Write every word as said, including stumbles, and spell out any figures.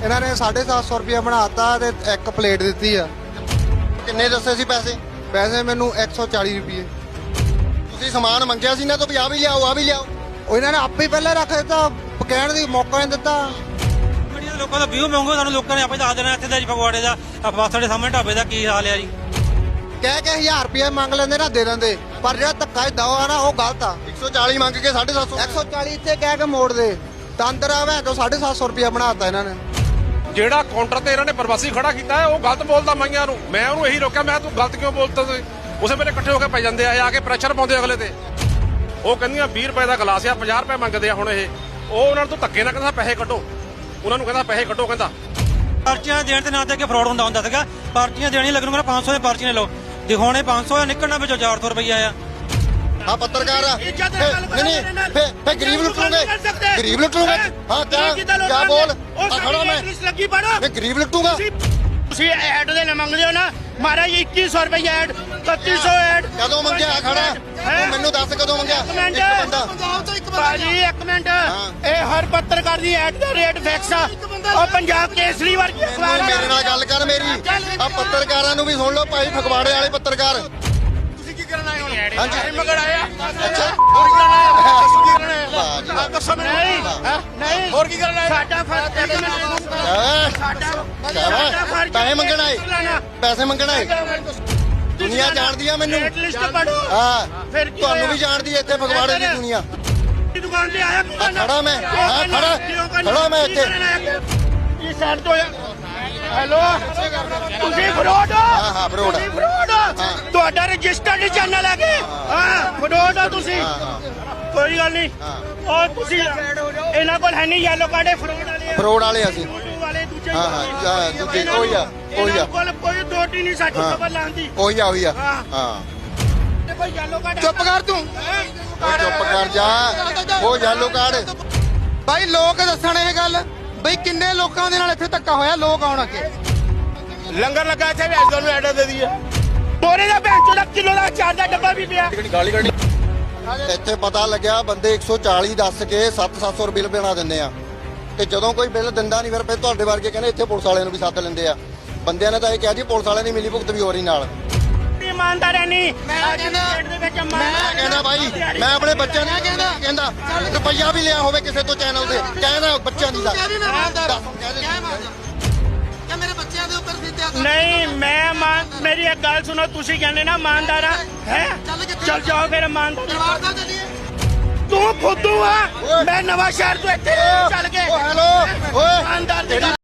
ਇਹਨਾਂ ਨੇ ਸਾਢੇ ਸੱਤ ਸੌ ਰੁਪਏ ਬਣਾਤਾ ਤੇ ਇੱਕ ਪਲੇਟ ਦਿੱਤੀ ਆ। ਕਿੰਨੇ ਦੱਸੇ ਸੀ ਪੈਸੇ? ਪੈਸੇ ਮੈਨੂੰ ਇੱਕ ਸੌ ਚਾਲੀ ਰੁਪਏ। ਤੁਸੀਂ ਸਮਾਨ ਮੰਗਿਆ ਸੀ ਨਾ ਤੋਂ ਵੀ ਆ ਵੀ ਲਿਆਓ ਆ ਵੀ ਲਿਆਓ। ਉਹ ਇਹਨਾਂ ਨੇ ਆਪੇ ਹੀ ਪਹਿਲਾਂ ਰੱਖ ਦਿੱਤਾ, ਕਹਿਣ ਦੀ ਮੌਕਾ ਨਹੀਂ ਦਿੱਤਾ। ਬੜੀਆਂ ਲੋਕਾਂ ਦਾ ਵਿਊ ਮੰਗੋ, ਸਾਨੂੰ ਲੋਕਾਂ ਨੇ ਆਪੇ ਦੱਸ ਦੇਣਾ ਇੱਥੇ ਦਾ ਜੀ ਫਗਵਾੜੇ ਦਾ ਬੱਸ ਦੇ ਸਾਹਮਣੇ ਢਾਬੇ ਦਾ ਕੀ ਹਾਲ ਆ ਜੀ। ਕਹਿ ਕੇ ਹਜ਼ਾਰ ਰੁਪਏ ਮੰਗ ਲੈਂਦੇ ਨਾ ਦੇ ਦਿੰਦੇ, ਪਰ ਜਿਹੜਾ ਧੱਕਾ ਦਵਾ ਆ ਨਾ ਉਹ ਗਲਤ ਆ। ਇੱਕ ਸੌ ਚਾਲੀ ਮੰਗ ਕੇ ਸਾਢੇ ਸੱਤ ਸੌ ਇੱਕ ਸੌ ਚਾਲੀ ਇੱਥੇ ਕਹਿ ਕੇ ਮੋੜ ਦੇ ਤੰਦਰ ਆਵੇ ਤੋਂ ਸਾਢੇ ਸੱਤ ਸੌ ਰੁਪਏ ਬਣਾਤਾ ਇਹਨਾਂ ਨੇ। ਜਿਹੜਾ ਕਾਊਂਟਰ ਤੇ ਇਹਨਾਂ ਨੇ ਪ੍ਰਵਾਸੀ ਖੜਾ ਕੀਤਾ ਹੈ ਉਹ ਗਲਤ ਬੋਲਦਾ ਮਾਈਆਂ ਨੂੰ। ਮੈਂ ਉਹਨੂੰ ਇਹੀ ਰੋਕਿਆ, ਮੈਂ ਤੂੰ ਗਲਤ ਕਿਉਂ ਬੋਲਦਾ ਸੀ। ਉਸੇ ਵੇਲੇ ਇਕੱਠੇ ਹੋ ਕੇ ਪੈ ਜਾਂਦੇ ਆ, ਆ ਕੇ ਪ੍ਰੈਸ਼ਰ ਪਾਉਂਦੇ ਅਗਲੇ ਤੇ। ਉਹ ਕਹਿੰਦੀਆਂ ਵੀਹ ਰੁਪਏ ਦਾ ਗਲਾਸ ਆ, ਪੰਜਾਹ ਰੁਪਏ ਮੰਗਦੇ ਆ ਹੁਣ ਇਹ। ਉਹ ਉਹਨਾਂ ਨੂੰ ਧੱਕੇ ਨਾਲ ਕਹਿੰਦਾ ਪੈਸੇ ਕੱਢੋ, ਉਹਨਾਂ ਨੂੰ ਕਹਿੰਦਾ ਪੈਸੇ ਕੱਢੋ। ਕਹਿੰਦਾ ਪਰਚੀਆਂ ਦੇਣ ਦੇ ਨਾਂ ਤੇ ਅੱਗੇ ਫਰਾਡ ਹੁੰਦਾ ਹੁੰਦਾ ਸੀਗਾ। ਪਰਚੀਆਂ ਦੇਣੀ ਲੱਗਣ ਨੂੰ ਪੰਜ ਸੌ ਦੇ ਪਰਚੀ ਨੇ ਲਓ, ਦਿਖਾਉਣੇ ਪੰਜ ਸੌ ਆ, ਨਿਕਲਣਾ ਵਿੱਚੋਂ ਚਾਰ ਸੌ ਰੁਪਈਆ ਆ। ਆ ਪੱਤਰਕਾਰ ਆ ਨਹੀਂ ਨਹੀਂ ਫੇ ਫੇ ਗਰੀਬ ਲੁੱਟੂਗੇ, ਗਰੀਬ ਲੁੱਟੂਗੇ। ਹਾਂ ਕਿਆ ਕਿਆ ਬੋਲ ਆ ਖੜਾ ਮੈਂ ਲੱਗੀ ਪੜੋ ਮੈਂ ਗਰੀਬ ਲੁੱਟੂਗਾ। ਤੁਸੀਂ ਐਡ ਦੇ ਨਾ ਮੰਗਦੇ ਹੋ ਨਾ ਮਹਾਰਾਜ ਇੱਕੀ ਸੌ ਰੁਪਏ ਐਡ, ਇਕੱਤੀ ਸੌ ਐਡ। ਕਦੋਂ ਮੰਗਿਆ ਖੜਾ ਤੂੰ ਮੈਨੂੰ ਦੱਸ ਕਦੋਂ ਮੰਗਿਆ? ਇੱਕ ਮਿੰਟ ਇੱਕ ਬੰਦਾ ਭਾਜੀ ਇੱਕ ਮਿੰਟ, ਇਹ ਹਰ ਪੱਤਰਕਾਰ ਦੀ ਐਡ ਦਾ ਰੇਟ ਫਿਕਸ ਆ। ਉਹ ਪੰਜਾਬ ਕੇਸਰੀ ਵਰਗੀ ਅਖਬਾਰ ਆ। ਮੇਰੇ ਨਾਲ ਗੱਲ ਕਰ ਮੇਰੀ। ਆ ਪੱਤਰਕਾਰਾਂ ਨੂੰ ਵੀ ਸੁਣ ਲਓ ਭਾਈ, ਫਗਵਾੜੇ ਵਾਲੇ ਪੱਤਰਕਾਰ। ਤੁਸੀਂ ਕੀ ਕਰਨ ਆਏ ਹੋ? ਹਾਂਜੀ ਮਗੜ ਆਇਆ ਅੱਛਾ ਹੋਰ ਕੀ ਕਰਨ ਆਏ ਹੋ? ਤੁਸੀਂ ਕੀ ਕਰਨ ਆਏ ਹੋ? ਵਾਹ ਆ ਦੱਸੋ ਮੈਨੂੰ। ਨਹੀਂ ਨਹੀਂ ਹੋਰ ਕੀ ਕਰਨ ਆਏ? ਸਾਡਾ ਫਰਜ਼ ਹੈ ਸਾਡਾ ਸਾਡਾ ਫਰਜ਼ ਪੈਸੇ ਮੰਗਣ ਆਏ, ਪੈਸੇ ਮੰਗਣ ਆਏ। ਦੁਨੀਆ ਜਾਣਦੀ ਆ ਮੈਨੂੰ। ਰੇਟ ਲਿਸਟ ਪੜੋ। ਹਾਂ ਫਿਰ ਕੀ ਤੁਹਾਨੂੰ ਹੋਇਆ? ਵੀ ਜਾਣਦੀ ਹੈ ਇੱਥੇ ਫਗਵਾੜੇ ਦੀ ਦੁਨੀਆ। ਦੁਕਾਨ ਤੇ ਆਇਆ ਆ ਖੜਾ ਮੈਂ, ਹਾਂ ਖੜਾ ਖੜਾ ਮੈਂ ਇੱਥੇ। ਇਹ ਸਾਈਡ ਤੋਂ ਹੈਲੋ ਤੁਸੀਂ ਫਰੋਡ ਹੋ? ਹਾਂ ਹਾਂ ਫਰੋਡ ਤੁਸੀਂ ਫਰੋਡ ਹੋ? ਤੁਹਾਡਾ ਰਜਿਸਟਰਡ ਚੈਨਲ ਹੈ ਕਿ ਹਾਂ ਫਰੋਡ ਹੋ ਤੁਸੀਂ। ਕੋਈ ਗੱਲ ਨਹੀਂ, ਉਹ ਤੁਸੀਂ ਇਹਨਾਂ ਕੋਲ ਹੈ ਨਹੀਂ ਯੈਲੋ ਕਾਰਡ, ਇਹ ਫਰੋਡ ਵਾਲੇ ਆ। ਫਰੋਡ ਵਾਲੇ ਅਸੀਂ। ਵਾਲੇ ਦੂਜੇ ਹਾਂ ਹਾਂ ਦੂਜੇ ਉਹੀ ਆ ਉਹੀ ਆ ਇਹਨਾਂ ਕੋਲ ਕੋਈ ਦੋਟੀ ਨਹੀਂ ਸਾਡੀ ਖਬਰ ਲਾਉਂਦੀ। ਉਹੀ ਆ ਉਹੀ ਆ ਹਾਂ। ਤੇ ਕੋਈ ਯੈਲੋ ਕਾਰਡ ਚੁੱਪ ਕਰ ਤੂੰ, ਉਹ ਚੁੱਪ ਕਰ ਜਾ, ਉਹ ਯੈਲੋ ਕਾਰਡ। ਭਾਈ ਲੋਕ ਦੱਸਣ ਇਹ ਗੱਲ ਬਈ ਕਿੰਨੇ ਲੋਕਾਂ ਦੇ ਨਾਲ ਇੱਥੇ ਧੱਕਾ ਹੋਇਆ। ਲੋਕ ਆਉਣ ਅੱਗੇ ਲੰਗਰ ਲੱਗਾ ਇੱਥੇ ਵੀ ਐਸਾ ਨੂੰ ਐਡਾ ਦੇ ਦਈਏ। ਬੋਰੇ ਦਾ ਭੈਣ ਚੋਦਾ ਕਿਲੋ ਦਾ ਚਾਰ ਦਾ ਡੱਬਾ ਵੀ ਪਿਆ। ਇੱਥੇ ਪਤਾ ਲੱਗਿਆ ਬੰਦੇ ਇੱਕ ਸੌ ਚਾਲੀ ਦੱਸ ਕੇ ਸੱਤ ਸੱਤ ਸੌ ਬਿੱਲ ਬਣਾ ਦਿੰਦੇ ਆ, ਤੇ ਜਦੋਂ ਕੋਈ ਬਿੱਲ ਦਿੰਦਾ ਨਹੀਂ ਫਿਰ ਫਿਰ ਤੁਹਾਡੇ ਵਰਗੇ ਕਹਿੰਦੇ ਇੱਥੇ ਪੁਲਿਸ ਵਾਲਿਆਂ ਨੂੰ ਵੀ ਸੱਦ ਲੈਂਦੇ ਆ। ਬੰਦਿਆਂ ਨੇ ਤਾਂ ਇਹ ਕਿਹਾ ਜੀ ਪੁਲਿਸ ਵਾਲਿਆਂ ਦੀ ਮਿਲੀ ਭੁਗਤ ਵੀ ਹੋ ਰਹੀ ਨਾਲ। ਇਮਾਨਦਾਰ ਹੈ ਨਹੀਂ। ਮੈਂ ਕਹਿੰਦਾ ਮੈਂ ਕਹਿੰਦਾ ਭਾਈ, ਮੈਂ ਆਪਣੇ ਬੱਚਿਆਂ ਨੂੰ ਕਹਿੰਦਾ ਕਹਿੰਦਾ ਰੁਪਈਆ ਵੀ ਲਿਆ ਹੋਵੇ ਕਿਸੇ ਤੋਂ ਚੈਨਲ ਤੇ, ਕਹਿੰਦਾ ਬੱਚਿਆਂ ਦੀ ਦਾ ਨਹੀਂ ਮੈਂ ਮਾਨ ਮੇਰੀ ਇੱਕ ਗੱਲ ਸੁਣੋ, ਤੁਸੀਂ ਕਹਿੰਦੇ ਨਾ ਇਮਾਨਦਾਰ ਆ ਹੈ, ਚੱਲ ਜਾਓ ਫਿਰ ਇਮਾਨਦਾਰ। ਤੂੰ ਫੁੱਦੂ ਆ, ਮੈਂ ਨਵਾਂ ਸ਼ਹਿਰ ਤੋਂ ਇੱਥੇ ਚੱਲ ਕੇ ਓ ਹੈਲੋ ਓਏ ਇਮਾਨਦਾਰ